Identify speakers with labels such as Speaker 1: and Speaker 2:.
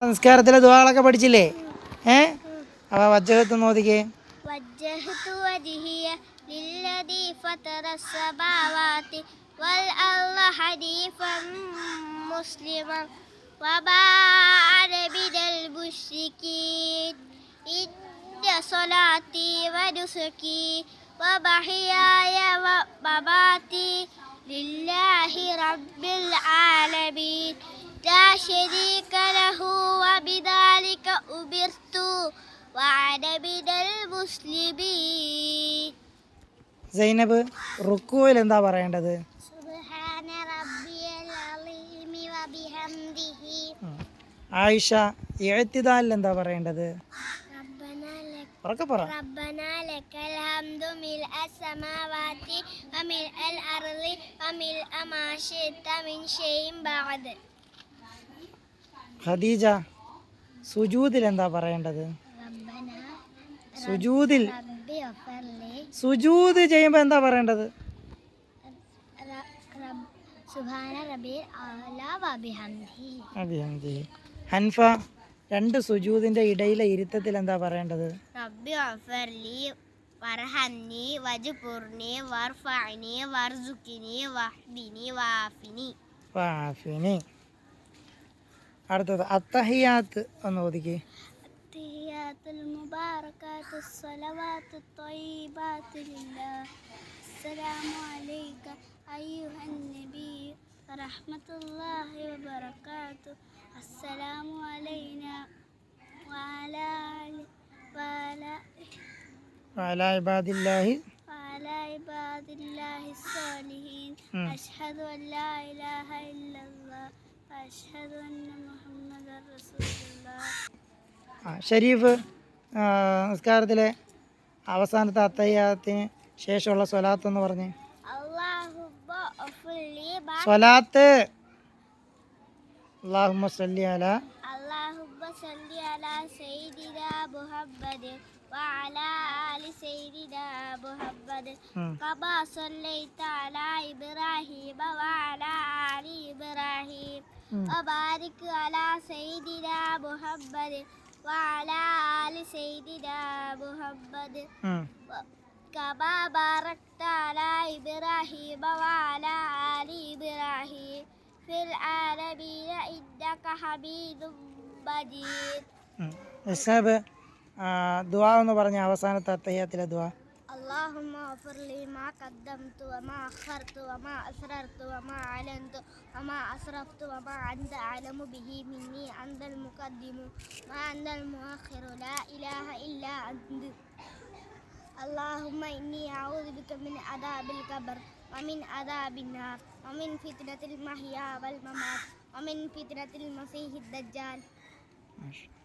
Speaker 1: നിസ്കാരത്തിലെ ദുആകളൊക്കെ പഠിച്ചില്ലേ? അപ്പോൾ വജ്ജഹത്ത് നോദിക്കേ.
Speaker 2: വജ്ജഹ്തു വജ്ഹിയ ലില്ലദീ ഫതറസ് സമാവാതി വൽ അർള ഹനീഫൻ മുസ്ലിമൻ വമാഅന മിനൽ മുശ്രികീൻ ഇന്ന സ്വലാത്തി വനുസുകി വമഹ്യായ വമമാതി ലില്ലാഹി റബ്ബിൽ ആലമീൻ ലാ ശരീക ലഹു വബിദാലിക ഉമിർതു വഅന മിനൽ മുസ്ലിമീൻ.
Speaker 1: സൈനബ് റുക്കൂയിൽ എന്താ പറയേണ്ടത്?
Speaker 2: സുബ്ഹാന റബ്ബിയൽ അലീമി വബിഹംദിഹി.
Speaker 1: ആയിഷ ഇഅ്തിദാലിൽ എന്താ പറയേണ്ടത്?
Speaker 2: റബ്ബനാ ലക്കൽ ഹംദു മിൽഅസ് സമാവാതി വമിൽഅൽ അർളി വമിൽഅ മാ ശിഅ്ത മിൻ ഷൈഇൻ ബഅദ്.
Speaker 1: ഖദീജ സുജൂദിൽ എന്താ പറയേണ്ടത്? സുജൂദിൽ സുജൂദ് ചെയ്യുമ്പോൾ എന്താ പറയേണ്ടത്?
Speaker 2: സുബ്ഹാന റബ്ബിയൽ അഅ്ലാ വബിഹംദിഹി.
Speaker 1: ഹൻഫ രണ്ട് സുജൂദിന്റെ ഇടയിലെ ഇരുത്തത്തിൽ എന്താ പറയേണ്ടത്?
Speaker 2: റബ്ബി ഗഫർലി വർഹംനി വജ്ബുർനി വർഫഅനി വർസുഖിനി വഹ്ദിനി
Speaker 1: വാഫിനി. അടുത്തത് അത്തഹിയാത്ത് ഒന്ന് ഓദിക്കേ.
Speaker 2: അത്തഹിയാത്തുൽ മുബാറകാത്തുസ് സ്വലവാത്തുത് ത്വയ്യിബാത്തു ലില്ലാഹ്. അസ്സലാമു അലൈക അയ്യുഹൻ നബി വറഹ്മത്തുള്ളാഹി വബറകാതുഹു. അസ്സലാമു അലൈനാ വഅലാ ഇബാദില്ലാഹി സ്സാലിഹീൻ. അഷ്ഹദു അൻ ലാ ഇലാഹ ഇല്ലല്ലാഹ് വഅഷ്ഹദു അന്ന മുഹമ്മദൻ റസൂലുള്ളാഹ്.
Speaker 1: ഷരീഫ് നിസ്കാരത്തിലെ അവസാനത്തെ അത്തഹിയാത്തിന് ശേഷമുള്ള സ്വലാത്ത് എന്ന് പറഞ്ഞേ. സ്വലാത്ത് അല്ലാഹുമ്മ സല്ലി അലാ
Speaker 2: സയ്യിദിനാ മുഹമ്മദ് വഅലാ ആലി സയ്യിദിനാ മുഹമ്മദ് കമാ സല്ലൈത അലാ ഇബ്രാഹീമ വഅലാ ആലി ഇബ്രാഹീം വബാരിക് അലാ സയ്യിദിനാ മുഹമ്മദ് വഅലാ ആലി സയ്യിദിനാ മുഹമ്മദ് കമാ ബാറക്ത അലാ ഇബ്രാഹീമ വഅലാ ആലി ഇബ്രാഹീം ഫിൽ ആലമീന ഇന്നക ഹമീദും മജീദ്.
Speaker 1: ദുആ എന്ന് പറഞ്ഞ അവസാനത്തെ അത്തഹിയാത്തിലെ ദുആ.
Speaker 2: اللهم اغفر لي ما قدمت وما أخرت وما أسررت وما أعلنت وما أسرفت وما أنت أعلم به مني أنت المقدم وأنت المؤخر لا إله إلا أنت. اللهم إني أعوذ بك من عذاب القبر ومن عذاب النار ومن فتنة المحيا والممات ومن فتنة المسيح الدجال.